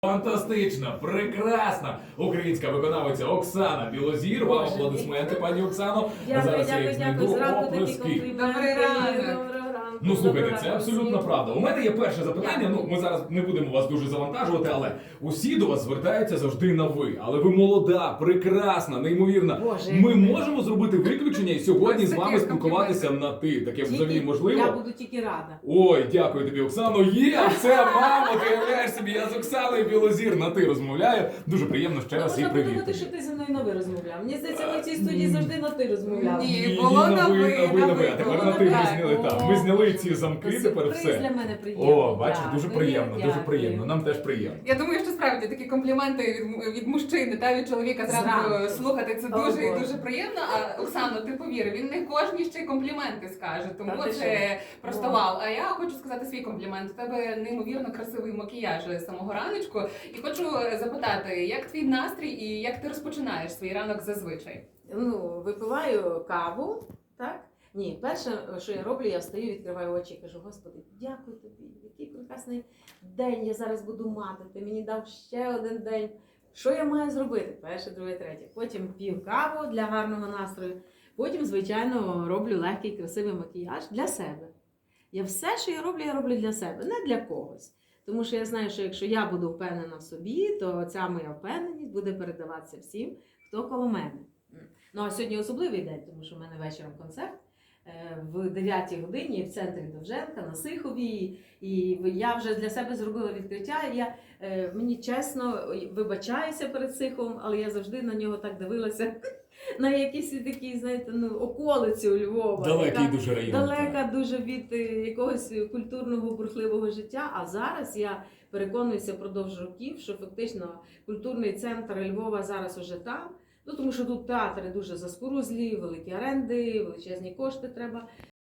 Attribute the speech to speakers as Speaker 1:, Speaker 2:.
Speaker 1: Фантастична, прекрасна українська виконавиця Оксана Білозір. Вам аплодисменти, пані Оксано.
Speaker 2: Дякую. Зранку такі
Speaker 1: оплески.
Speaker 2: компліменти.
Speaker 3: Добрий ранок.
Speaker 2: Доброго ранку.
Speaker 1: Ну, слухайте,
Speaker 2: Доброго
Speaker 1: це
Speaker 2: ранку
Speaker 1: абсолютно
Speaker 2: всім.
Speaker 1: правда. У мене є перше запитання. Ну, ми зараз не будемо вас дуже завантажувати, але усі до вас звертаються завжди на ви. Але ви молода, прекрасна, неймовірна.
Speaker 2: Боже,
Speaker 1: Ми
Speaker 2: як
Speaker 1: можемо зробити виключення і сьогодні
Speaker 3: Ось
Speaker 1: з вами
Speaker 3: таке
Speaker 1: спілкуватися на ти. Таке взагалі
Speaker 2: Я
Speaker 1: можливо?
Speaker 2: буду тільки рада.
Speaker 1: Ой, дякую тобі, Оксано. Є, це мамо, ти уявляєш собі, я з Оксаною Білозір на ти розмовляю. Дуже приємно ще раз і
Speaker 2: Можна
Speaker 1: привіт.
Speaker 2: подумати, що ти зі мною на ви розмовляв. Мені здається, ми в цій студії завжди на ти розмовляли.
Speaker 3: Ні. було на ви,
Speaker 1: А тепер на ти ми зняли. Так, ми зняли ці замки, тепер
Speaker 2: Сюрприз
Speaker 1: все.
Speaker 2: для мене приємний.
Speaker 1: О, бачиш, дуже
Speaker 2: Дякую,
Speaker 1: приємно, дуже
Speaker 2: дякую.
Speaker 1: приємно. Нам теж приємно.
Speaker 3: Я думаю, що справді такі компліменти від мужчини та від чоловіка зранку
Speaker 2: Зранку.
Speaker 3: слухати це
Speaker 2: О,
Speaker 3: дуже і
Speaker 2: Боже.
Speaker 3: дуже приємно. А Оксано, ти повір, він не кожній ще й компліменти скаже, тому
Speaker 2: Та ти
Speaker 3: це
Speaker 2: що?
Speaker 3: просто
Speaker 2: О.
Speaker 3: вау. А я хочу сказати свій комплімент. У тебе неймовірно красивий макіяж з самого раночку. І хочу запитати, як твій настрій і як ти розпочинаєш свій ранок зазвичай?
Speaker 2: Ну, випиваю каву, так? Ні, перше, що я роблю, я встаю, відкриваю очі і кажу: Господи, дякую тобі, який прекрасний день я зараз буду мати. Ти мені дав ще один день. Що я маю зробити? Перше, друге, третє. Потім п'ю каву для гарного настрою. Потім, звичайно, роблю легкий, красивий макіяж для себе. Я що я роблю для себе, не для когось. Тому що я знаю, що якщо я буду впевнена в собі, то ця моя впевненість буде передаватися всім, хто коло мене. Ну, а сьогодні особливий день, тому що в мене вечором концерт в 9 годині в центрі Довженка, на Сиховій. І я вже для себе зробила відкриття. Мені чесно вибачаюся перед Сиховом, але я завжди на нього так дивилася, на якісь такі, знаєте, околиці у Львова.
Speaker 1: Далекий
Speaker 2: яка
Speaker 1: дуже район.
Speaker 2: далека дуже від якогось культурного бурхливого життя. А зараз я переконуюся впродовж років, що фактично культурний центр Львова зараз уже там. Ну, тому що тут театри дуже заскорузлі, великі оренди, величезні кошти треба.